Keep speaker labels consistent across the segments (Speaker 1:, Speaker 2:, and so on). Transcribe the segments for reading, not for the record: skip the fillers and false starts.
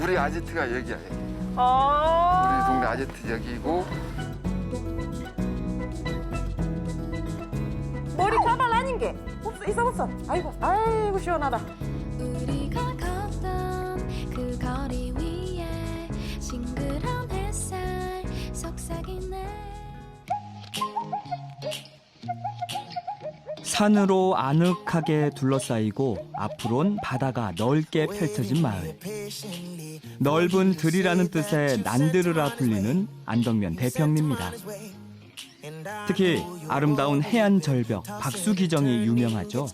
Speaker 1: 우리 아지트가 여기야. 여기.
Speaker 2: 아.
Speaker 1: 우리 동네 아지트 여기고.
Speaker 2: 머리 가발 아닌 게 없어 있어. 아이고 시원하다.
Speaker 3: 우리가 걷던 그 거리 위에 싱그러운 햇살 속삭이네.
Speaker 4: 산으로 아늑하게 둘러싸이고 앞으론 바다가 넓게 펼쳐진 마을. 넓은 들이라는 뜻의 난들으라 불리는 안덕면 대평리입니다. 특히 아름다운 해안 절벽 박수기정이 유명하죠.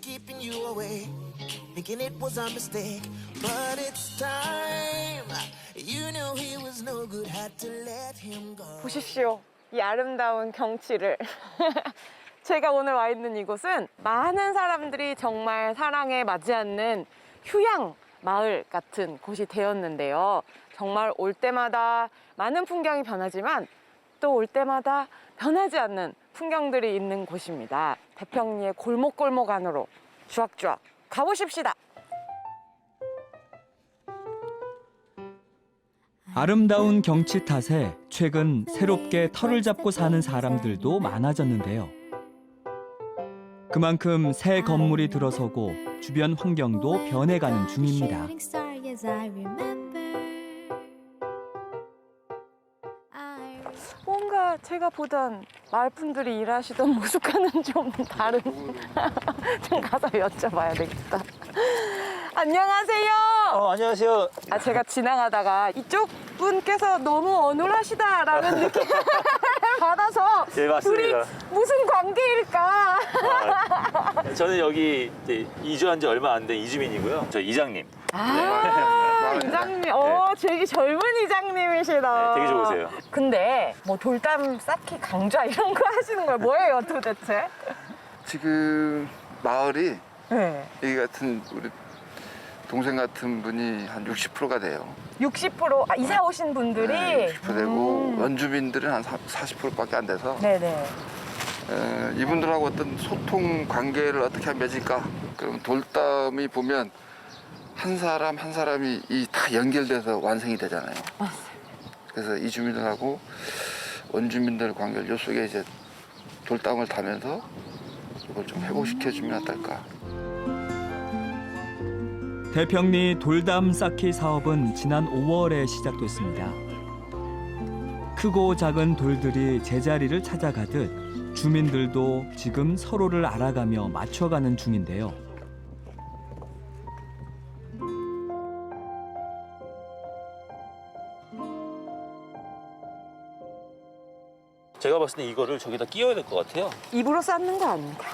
Speaker 2: 보십시오. 이 아름다운 경치를. 제가 오늘 와 있는 이곳은 많은 사람들이 정말 사랑에 맞지 않는 휴양 마을 같은 곳이 되었는데요. 정말 올 때마다 많은 풍경이 변하지만 또 올 때마다 변하지 않는 풍경들이 있는 곳입니다. 대평리의 골목골목 안으로 쭈악쭈악 가보십시다.
Speaker 4: 아름다운 경치 탓에 최근 새롭게 터를 잡고 사는 사람들도 많아졌는데요. 그만큼 새 건물이 들어서고 주변 환경도 변해가는 중입니다.
Speaker 2: 뭔가 제가 보던 마을 분들이 일하시던 모습과는 좀 다른. 좀 가서 여쭤봐야 되겠다. 안녕하세요.
Speaker 5: 안녕하세요.
Speaker 2: 제가 지나가다가 이쪽 분께서 너무 어눌하시다라는 느낌을 받아서
Speaker 5: 예, 맞습니다.
Speaker 2: 둘이 무슨 관계일까?
Speaker 5: 저는 여기 이제 이주한 지 얼마 안 된 이주민이고요. 저 이장님.
Speaker 2: 이장님, 되게 젊은 이장님이시다.
Speaker 5: 네, 되게 좋으세요.
Speaker 2: 근데 뭐 돌담 쌓기 강좌 이런 거 하시는 거예요? 뭐예요 도대체?
Speaker 1: 지금 마을이
Speaker 2: 네.
Speaker 1: 여기 같은 우리 동생 같은 분이 한 60%가 돼요.
Speaker 2: 60% 이사 오신 분들이?
Speaker 1: 네, 60% 되고 원주민들은 한 40%밖에 안 돼서
Speaker 2: 네네.
Speaker 1: 이분들하고 어떤 소통 관계를 어떻게 하면 맺을까? 그럼 돌담이 보면 한 사람 한 사람이 다 연결돼서 완성이 되잖아요.
Speaker 2: 맞습니다.
Speaker 1: 그래서 이 주민들하고 원주민들 관계를 요 속에 이제 돌담을 다면서 이걸 좀 회복시켜주면 어떨까?
Speaker 4: 대평리 돌담 쌓기 사업은 지난 5월에 시작됐습니다. 크고 작은 돌들이 제자리를 찾아가듯 주민들도 지금 서로를 알아가며 맞춰가는 중인데요.
Speaker 5: 제가 봤을 때 이거를 저기다 끼워야 될 것 같아요.
Speaker 2: 입으로 쌓는 거 아닙니다.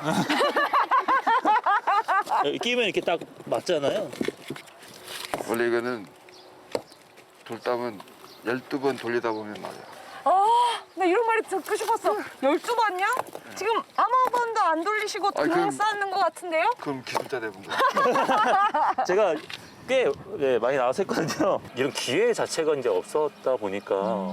Speaker 5: 여기 끼면 이렇게 딱 맞잖아요.
Speaker 1: 원래 이거는 돌담은 12번 돌리다 보면 맞아요.
Speaker 2: 나 이런 말이 듣고 싶었어. 12번이요? 지금 아무 번도 안 돌리시고 그냥
Speaker 1: 그럼-
Speaker 2: 쌓는 것 같은데요?
Speaker 1: 그럼 기술자 대본 거예요.
Speaker 5: 제가 꽤 많이 나와서 했거든요. 이런 기회 자체가 이제 없었다 보니까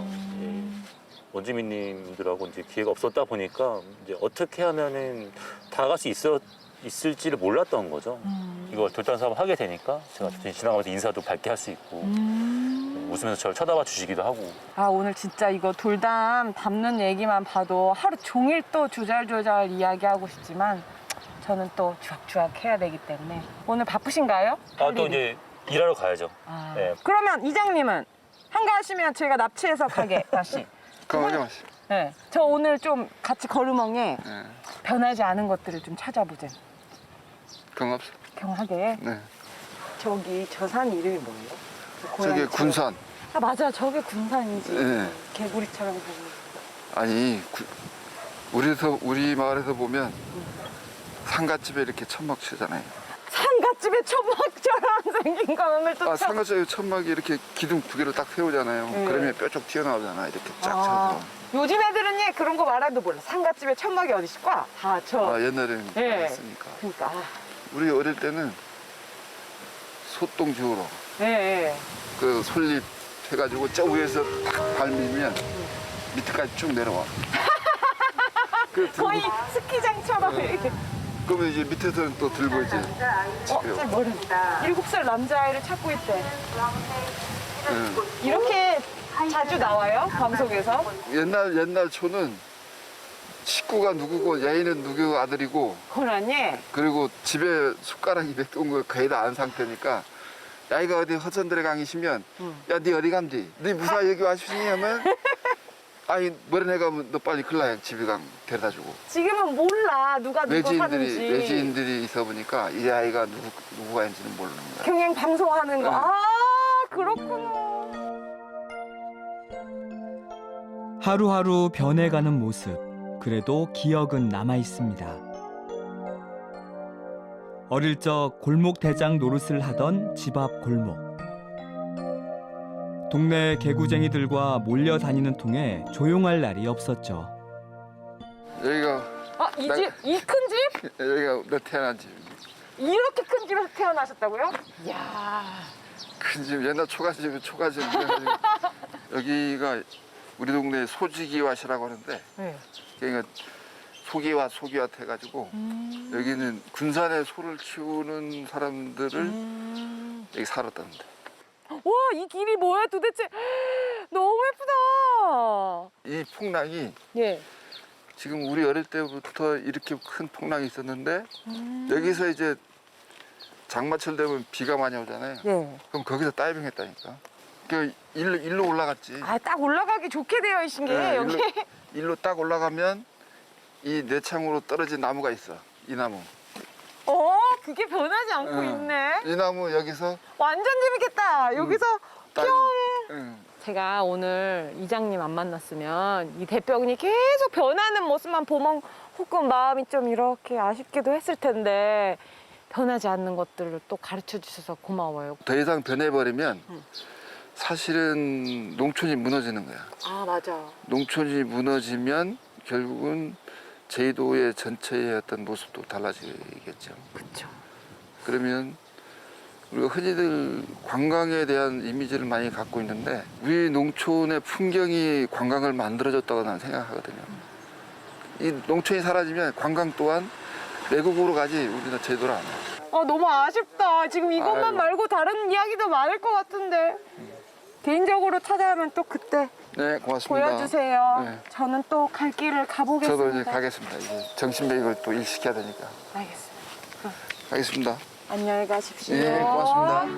Speaker 5: 원주민님들하고 이제 기회가 없었다 보니까 이제 어떻게 하면은 다 갈 수 있을지를 몰랐던 거죠. 이걸 돌담 사업 하게 되니까 제가 지나가면서 인사도 밝게 할 수 있고 웃으면서 저를 쳐다봐 주시기도 하고.
Speaker 2: 오늘 진짜 이거 돌담 담는 얘기만 봐도 하루 종일 또 조잘조잘 이야기하고 싶지만 저는 또 쥐악쥐악 해야 되기 때문에 오늘 바쁘신가요?
Speaker 5: 또 이제 일하러 가야죠. 네.
Speaker 2: 그러면 이장님은 한가하시면 제가 납치해서 가게 다시.
Speaker 1: 그럼 하지 마시.
Speaker 2: 네. 저 오늘 좀 같이 걸으멍에
Speaker 1: 네.
Speaker 2: 변하지 않은 것들을 좀 찾아보자.
Speaker 1: 그런 거 없어.
Speaker 2: 경하게.
Speaker 1: 네.
Speaker 2: 저기 저 산 이름이 뭐예요? 그
Speaker 1: 저게
Speaker 2: 고양이
Speaker 1: 군산.
Speaker 2: 맞아. 저게 군산이지.
Speaker 1: 네.
Speaker 2: 개구리처럼 보이는.
Speaker 1: 아니 우리 마을에서 보면 상갓집에 이렇게 천막 치잖아요.
Speaker 2: 산갓집에 천막처럼 생긴 거 오늘 또 처음.
Speaker 1: 상갓집에 천막이 이렇게 기둥 두 개를 딱 세우잖아요.
Speaker 2: 네.
Speaker 1: 그러면 뾰족 튀어나오잖아. 이렇게 쫙 쳐서.
Speaker 2: 요즘 애들은 그런 거 말해도 몰라. 산갓집에 천막이 어디 있을까?
Speaker 1: 옛날에는
Speaker 2: 네.
Speaker 1: 그랬으니까.
Speaker 2: 그러니까.
Speaker 1: 우리 어릴 때는 소똥 지우러
Speaker 2: 네.
Speaker 1: 그 솔잎 해가지고 저 위에서 딱 밟으면 밑에까지 쭉 내려와. 그
Speaker 2: 거의 스키장처럼.
Speaker 1: 네. 그러면 이제 밑에서는 또 들고 이제
Speaker 2: 쟤 뭐래? 7살 남자아이를 찾고 있대.
Speaker 1: 응.
Speaker 2: 이렇게 자주 나와요? 방송에서?
Speaker 1: 옛날 초는 식구가 누구고 얘는 누구 아들이고
Speaker 2: 고라니?
Speaker 1: 그리고 집에 숟가락 200개 거 거의 다 안 상태니까 야이가 어디 허전들에 강이시면 야 니 어디 감디? 니 무사 여기 와주시니 하면 아니 머리내 가면 너 빨리 글라야 집에 가 데려다 주고
Speaker 2: 지금은 몰라 누가 누구 하는지.
Speaker 1: 외지인들이 있어 보니까 이 아이가 누구가 있는지는 모르는 거야.
Speaker 2: 경영 방송하는 거.
Speaker 1: 응.
Speaker 2: 아 그렇구나.
Speaker 4: 하루하루 변해가는 모습. 그래도 기억은 남아 있습니다. 어릴 적 골목 대장 노릇을 하던 집 앞 골목. 동네 개구쟁이들과 몰려 다니는 통에 조용할 날이 없었죠.
Speaker 1: 여기가
Speaker 2: 이 집? 이 큰 집?
Speaker 1: 여기가 너 태어난 집.
Speaker 2: 이렇게 큰 집에서 태어나셨다고요? 이야.
Speaker 1: 큰 집 옛날 초가집 여기가 우리 동네 소지기왓이라고 하는데
Speaker 2: 네.
Speaker 1: 그러니까 소기왓 해가지고 여기는 군산에 소를 키우는 사람들을 여기 살았다는데.
Speaker 2: 와, 이 길이 뭐야 도대체? 너무 예쁘다.
Speaker 1: 이 폭락이
Speaker 2: 예.
Speaker 1: 지금 우리 어릴 때부터 이렇게 큰 폭락이 있었는데 여기서 이제 장마철 되면 비가 많이 오잖아요.
Speaker 2: 네.
Speaker 1: 그럼 거기서 다이빙 했다니까. 그 일로 올라갔지.
Speaker 2: 아, 딱 올라가기 좋게 되어 있신 게
Speaker 1: 네,
Speaker 2: 여기.
Speaker 1: 일로 딱 올라가면 이 내창으로 떨어진 나무가 있어. 이 나무.
Speaker 2: 그게 변하지 않고
Speaker 1: 응.
Speaker 2: 있네.
Speaker 1: 이 나무 여기서
Speaker 2: 완전 재밌겠다. 여기서
Speaker 1: 다이빙.
Speaker 2: 뿅.
Speaker 1: 응.
Speaker 2: 제가 오늘 이장님 안 만났으면 이 대병이 계속 변하는 모습만 보면 혹은 마음이 좀 이렇게 아쉽기도 했을 텐데 변하지 않는 것들을 또 가르쳐 주셔서 고마워요.
Speaker 1: 더 이상 변해버리면 사실은 농촌이 무너지는 거야.
Speaker 2: 아, 맞아.
Speaker 1: 농촌이 무너지면 결국은 제주도의 전체의 어떤 모습도 달라지겠죠.
Speaker 2: 그렇죠.
Speaker 1: 그러면 우리가 흔히들 관광에 대한 이미지를 많이 갖고 있는데 우리 농촌의 풍경이 관광을 만들어줬다고 나는 생각하거든요. 이 농촌이 사라지면 관광 또한 외국으로 가지 우리는 제대로 안 와.
Speaker 2: 너무 아쉽다. 지금 이것만
Speaker 1: 아이고.
Speaker 2: 말고 다른 이야기도 많을 것 같은데. 개인적으로 찾아오면 또 그때
Speaker 1: 네, 고맙습니다.
Speaker 2: 보여주세요.
Speaker 1: 네.
Speaker 2: 저는 또 갈 길을 가보겠습니다.
Speaker 1: 저도 이제 가겠습니다. 이제 정신배역을 또 일시켜야 되니까.
Speaker 2: 알겠습니다.
Speaker 1: 가겠습니다.
Speaker 2: 안녕히 가십시오.
Speaker 1: 예, 고맙습니다.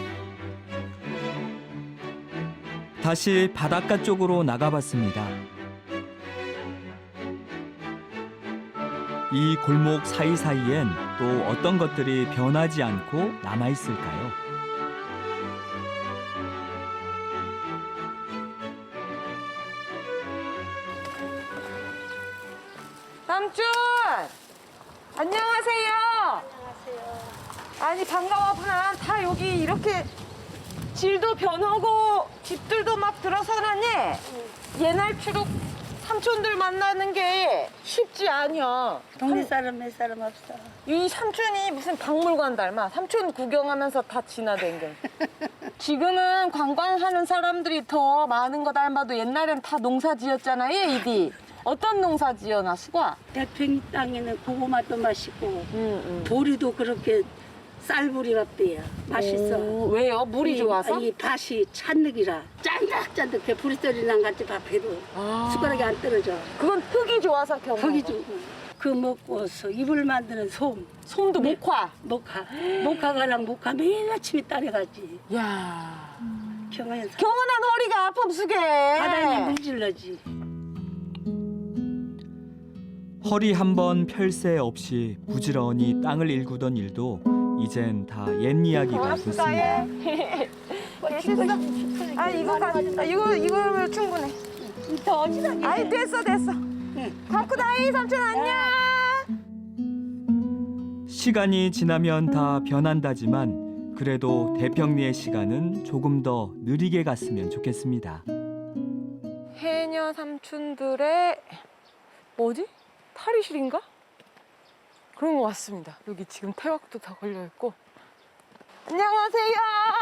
Speaker 4: 다시 바닷가 쪽으로 나가봤습니다. 이 골목 사이사이엔 또 어떤 것들이 변하지 않고 남아있을까요?
Speaker 2: 삼촌! 안녕하세요. 아니 반가워구나. 다 여기 이렇게 질도 변하고 집들도 막 들어서나니 옛날처럼 삼촌들 만나는 게 쉽지 않여.
Speaker 6: 동네 사람 몇 사람 없어.
Speaker 2: 이 삼촌이 무슨 박물관 닮아. 삼촌 구경하면서 다 지나댕겨. 지금은 관광하는 사람들이 더 많은 거 닮아도 옛날엔 다 농사 지었잖아요, 이디. 어떤 농사 지어나 수과?
Speaker 6: 대평이 땅에는 고구마도 맛있고 보리도 그렇게 쌀보리 밥이야. 맛있어.
Speaker 2: 왜요? 물이 좋아서?
Speaker 6: 이 밭이 찬흙이라 짠득짠득해. 부리소리랑 같이 밥해도 숟가락이 안 떨어져.
Speaker 2: 그건 흙이 좋아서 경험.
Speaker 6: 거기 좀. 그 먹고서 이불 만드는 솜.
Speaker 2: 솜도 목화.
Speaker 6: 목화가랑 목화 매일 아침에 따라가지.
Speaker 2: 야.
Speaker 6: 경안에서
Speaker 2: 경은한 허리가 아픔 수게.
Speaker 6: 바다에 물질러지.
Speaker 4: 허리 한 번 펼 새 없이 부지런히 땅을 일구던 일도 이젠 다 옛 이야기가 됐습니다.
Speaker 2: 아 이거면 충분해.
Speaker 6: 더 어지간히.
Speaker 2: 아이 됐어. 갖고 다이 삼촌 안녕.
Speaker 4: 시간이 지나면 다 변한다지만 그래도 대평리의 시간은 조금 더 느리게 갔으면 좋겠습니다.
Speaker 2: 해녀 삼촌들의 뭐지? 탈의실인가? 그런 것 같습니다. 여기 지금 태왁도 다 걸려있고. 안녕하세요.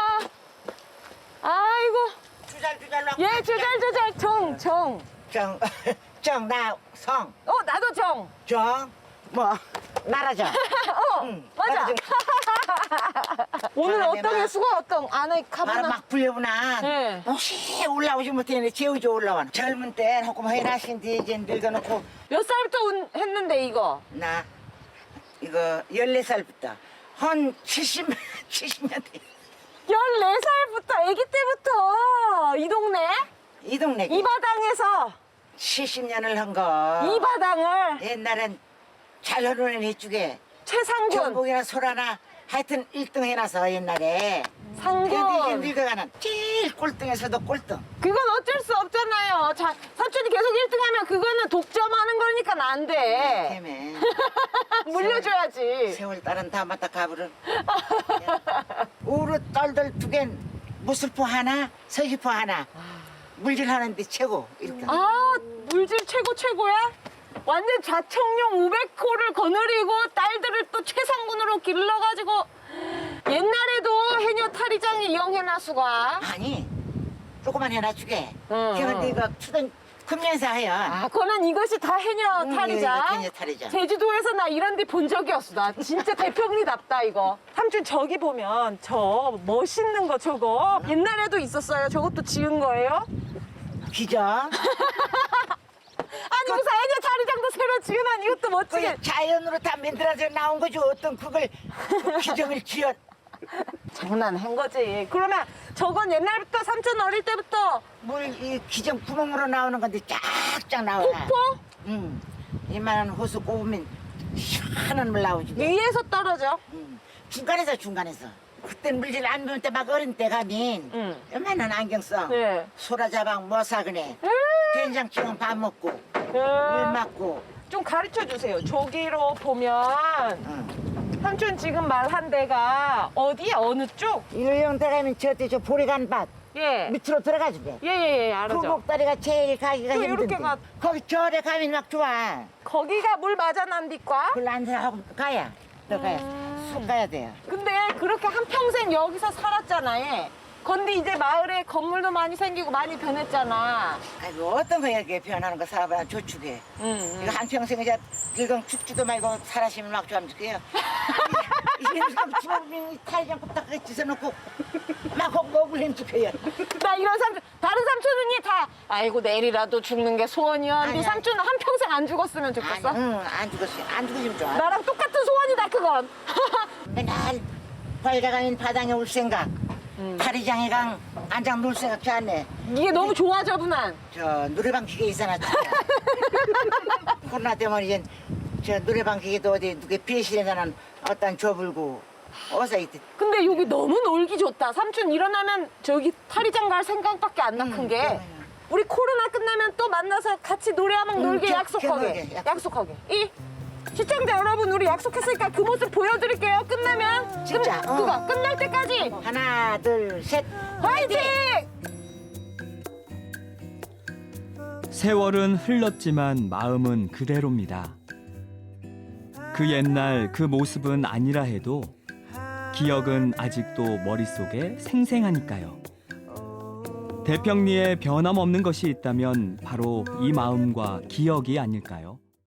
Speaker 2: 아이고.
Speaker 7: 주잘주잘
Speaker 2: 예, 주잘주잘 정.
Speaker 7: 정나성
Speaker 2: 나도 정.
Speaker 7: 정 뭐 말하자. 응,
Speaker 2: 맞아.
Speaker 7: 말하자.
Speaker 2: 오늘
Speaker 7: 바람에
Speaker 2: 어떤
Speaker 7: 막-
Speaker 2: 해수가 어떤 안에
Speaker 7: 바로
Speaker 2: 가보나?
Speaker 7: 막 불려보나.
Speaker 2: 네.
Speaker 7: 혹시 올라오지 못했는데 재우지 올라와. 젊은 땐 조금 해나신데 이제 늙어놓고
Speaker 2: 몇 살부터 했는데 이거?
Speaker 7: 나 이거 14살부터 한 70년 돼.
Speaker 2: 14살부터 아기 때부터 이 동네
Speaker 7: 이 동네
Speaker 2: 이 바당에서
Speaker 7: 70년을 한 거.
Speaker 2: 이 바당을
Speaker 7: 옛날엔 잘 흐르는 이쪽에
Speaker 2: 최상군
Speaker 7: 경복이나 소라나 하여튼 1등 해놔서 옛날에. 근데 이제
Speaker 2: 상군
Speaker 7: 늙어가는 제일 꼴등에서도 꼴등.
Speaker 2: 그건 어쩔 수 없잖아요. 자, 삼촌이 계속 1등하면 그거는 독점하는 거니까 안 돼.
Speaker 7: 때문에
Speaker 2: 물려줘야지.
Speaker 7: 세월 딸은 다 맞다 가부를. 우르 떨들 두 개, 무술포 하나, 서시포 하나. 물질하는데 최고 이렇게.
Speaker 2: 아, 물질 최고야? 완전 자청룡 500호를 거느리고 딸들을 또 최상군으로 길러가지고 옛날에도 해녀 탈의장에 이영해나수가
Speaker 7: 아니 조그만 해놔주게.
Speaker 2: 응,
Speaker 7: 그런데
Speaker 2: 응.
Speaker 7: 이거 추던 금년사예요.
Speaker 2: 아, 그거는 이것이 다 해녀 탈의장.
Speaker 7: 해녀 탈의장.
Speaker 2: 제주도에서 나 이런 데 본 적이 없어. 나 진짜 대평리답다 이거. 삼촌 저기 보면 저 멋있는 거 저거 옛날에도 있었어요. 저것도 지은 거예요?
Speaker 7: 기죠.
Speaker 2: 아니 무슨 해녀 탈의장도 새로 지어난 이것도 멋지게.
Speaker 7: 그 자연으로 다 만들어져 나온 거죠. 어떤 그걸 그 기정을 지어.
Speaker 2: 장난한 거지. 그러면 저건 옛날부터 삼촌 어릴 때부터
Speaker 7: 물 이 기정 구멍으로 나오는 건데 쫙쫙 나와.
Speaker 2: 폭포
Speaker 7: 응. 이만한 호수 꼽으면 시원한 물 나오지.
Speaker 2: 위에서 떨어져.
Speaker 7: 응. 중간에서. 그땐 물질 안 배울 때 막 어린 때 가면
Speaker 2: 응.
Speaker 7: 요만한 안경 써.
Speaker 2: 네.
Speaker 7: 소라자방 뭐 사그네. 된장찌개 밥 먹고 물 맞고.
Speaker 2: 좀 가르쳐 주세요. 저기로 보면
Speaker 7: 응.
Speaker 2: 삼촌 지금 말한 데가 어디야? 어느 쪽?
Speaker 7: 일령 들어가면 저때 저 보리간 밭
Speaker 2: 예.
Speaker 7: 밑으로 들어가지게.
Speaker 2: 예, 알아죠.
Speaker 7: 굴곡다리가 제일 가기가
Speaker 2: 또
Speaker 7: 힘든데.
Speaker 2: 이렇게 가-
Speaker 7: 거기 절에 가면 막 좋아.
Speaker 2: 거기가 물 맞아난디과?
Speaker 7: 그걸 안 하고 가야. 들어가야. 속 가야 돼요.
Speaker 2: 근데 그렇게 한평생 여기서 살았잖아요. 근데 이제 마을에 건물도 많이 생기고 많이 변했잖아.
Speaker 7: 아이고 어떤 거 이렇게 변하는 거 사람은 조축해. 이거 한평생 이제 늙은 죽지도 말고 살아시면 막 좋아하면 좋게요. 이게 주먹이 탈장 꼽다가 찢어놓고 막 먹을 힘죽해요.
Speaker 2: 나 이런 삼촌, 다른 삼촌은이 다, 아이고, 내일이라도 죽는 게 소원이야. 근데
Speaker 7: 아니야.
Speaker 2: 삼촌은 한평생 안 죽었으면 좋겠어?
Speaker 7: 응, 안 죽었어요. 안 죽으시면 좋아.
Speaker 2: 나랑 똑같은 소원이다, 그건.
Speaker 7: 맨날 벌가가면 바닥에 올 생각. 파리장에 강 안장 놀 생각 좋았네.
Speaker 2: 이게 너무 좋아, 저분한.
Speaker 7: 저 노래방 기계 있잖아. 코로나 때문에 이제 저 노래방 기계도 어디 누구 비실에서는 어떤 줘불고 어서 이때.
Speaker 2: 근데 여기 너무 놀기 좋다. 삼촌 일어나면 저기 탈의장 갈 생각밖에 안 나, 큰 게.
Speaker 7: 그러네요.
Speaker 2: 우리 코로나 끝나면 또 만나서 같이 노래 한번 놀게 약속하게.
Speaker 7: 약속.
Speaker 2: 약속하게. 시청자 여러분, 우리 약속했으니까 그 모습 보여드릴게요. 끝나면.
Speaker 7: 진짜,
Speaker 2: 그거 끝날 때까지.
Speaker 7: 하나 둘 셋.
Speaker 2: 화이팅!
Speaker 4: 세월은 흘렀지만 마음은 그대로입니다. 그 옛날 그 모습은 아니라 해도 기억은 아직도 머릿속에 생생하니까요. 대평리에 변함없는 것이 있다면 바로 이 마음과 기억이 아닐까요?